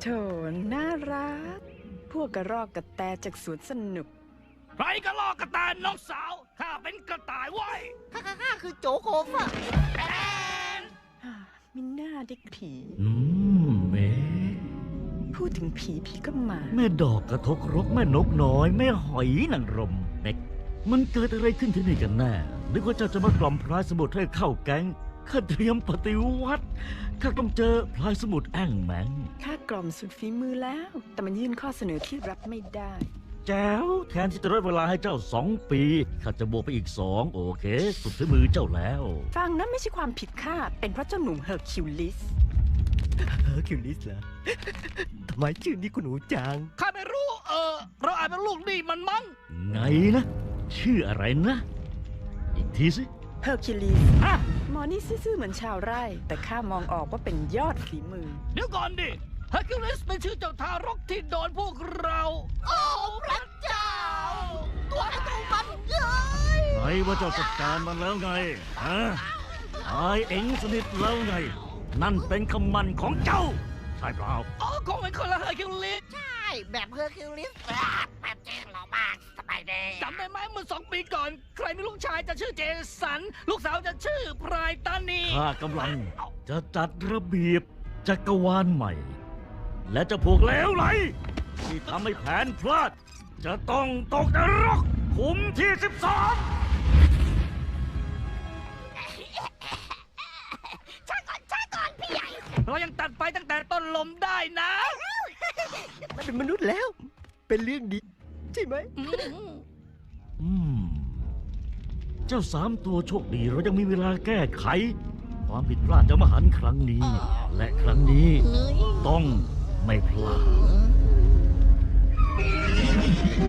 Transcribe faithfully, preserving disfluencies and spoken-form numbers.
โถน่ารักพวกกระรอกกระแตจากสวนสนุกใครกระลอกกระต่ายน้องสาวข้าเป็นกระต่ายไว้ข้าข้าข้าคือโจโคฟอะมิน่าเด็กผีอืมเมพูดถึงผีผีก็มาแม่ดอกกระทกรกแม่นกน้อยแม่หอยนางรมเม็กมันเกิดอะไรขึ้นที่นี่กันแน่นึกว่าเจ้าจะมากล่อมพลายสมุทรให้เข้าแก๊งข้าเตรียมปฏิวัติข้าต้องเจอพลายสมุทรแอ่งแมงข้ากล่อมสุดฝีมือแล้วแต่มันยื่นข้อเสนอที่รับไม่ได้แจ๋วแทนที่จะลดเวลาให้เจ้าสองปีข้าจะบวกไปอีกสองโอเคสุดฝีมือเจ้าแล้วฟังนั้นไม่ใช่ความผิดข้าเป็นเพราะเจ้าหนุ่มเฮอร์คิวลิสเฮอร์คิวลิสเหรอทำไมชื่อนี้คุณหนูจังข้าไม่รู้เออเราอาจเป็นลูกนี่มันมั้งไงนะชื่ออะไรนะอีกทีสิเฮอร์คิวลิสหมอนี่ซื่อๆเหมือนชาวไร่แต่ข้ามองออกว่าเป็นยอดฝีมือเดี๋ยวก่อนดิเฮอร์คิวลิสเป็นชื่อเจ้าทารกที่โดนพวกเราโอ้พระเจ้าตัวไอ้ตัวมันเย้ยไหนว่าเจ้าจัดการมันแล้วไงฮะตายเอ็งสนิทแล้วไงนั่นเป็นคำมันของเจ้าใช่เปล่าอ๋อคงเป็นคนละเฮอร์คิวลิสใช่แบบเฮอร์คิวลิสแบบจริงหรอมากสบายดีจำได้ไหมเมื่อสองปีก่อนใครมีลูกชายจะชื่อเจสันลูกสาวจะชื่อพรายตานีข้ากำลังจะจัดระเบียบจักรวาลใหม่และจะพวกเลวไหลที่ทำให้แผนพลาดจะต้องตกนรกขุมที่สิบสองช้าก่อนช้าก่อนพี่ใหญ่เรายังตัดไปตั้งแต่ต้นลมได้นะมันเป็นมนุษย์แล้วเป็นเรื่องดีใช่ไหมอืมเจ้าสามตัวโชคดีเรายังมีเวลาแก้ไขความผิดพลาดจะมหันต์ครั้งนี้และครั้งนี้ต้องไม่พลาด